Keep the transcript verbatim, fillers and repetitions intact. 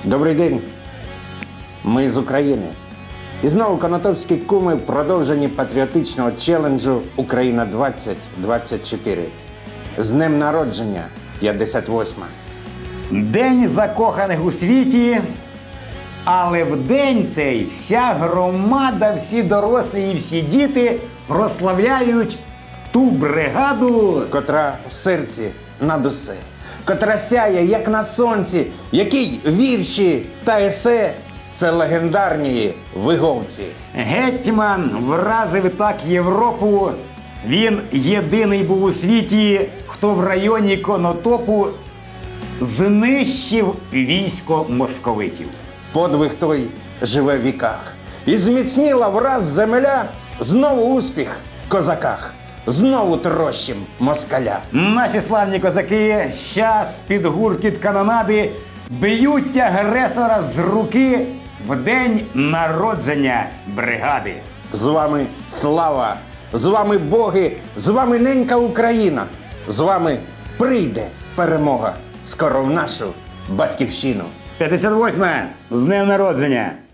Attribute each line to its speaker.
Speaker 1: Добрий день, ми з України. І знову конотопські куми в продовженні патріотичного челенджу «Україна двадцять двадцять чотири». З днем народження, п'ятдесят восьма.
Speaker 2: День закоханих у світі, але в день цей вся громада, всі дорослі і всі діти прославляють ту бригаду,
Speaker 1: Котра в серці над усе, котра сяє, як на сонці, який вірші та есе – це легендарні виговці.
Speaker 2: гетьман вразив так Європу. Він єдиний був у світі, хто в районі Конотопу знищив військо московитів.
Speaker 1: Подвиг той живе в віках. І зміцніла враз земля, знову успіх в козаках, знову трощим москаля.
Speaker 2: Наші славні козаки щас під гуркіт канонади б'ють агресора з руки в день народження бригади.
Speaker 1: З вами слава, з вами боги, з вами ненька Україна, з вами прийде перемога скоро в нашу батьківщину.
Speaker 2: п'ятдесят восьме з днем народження!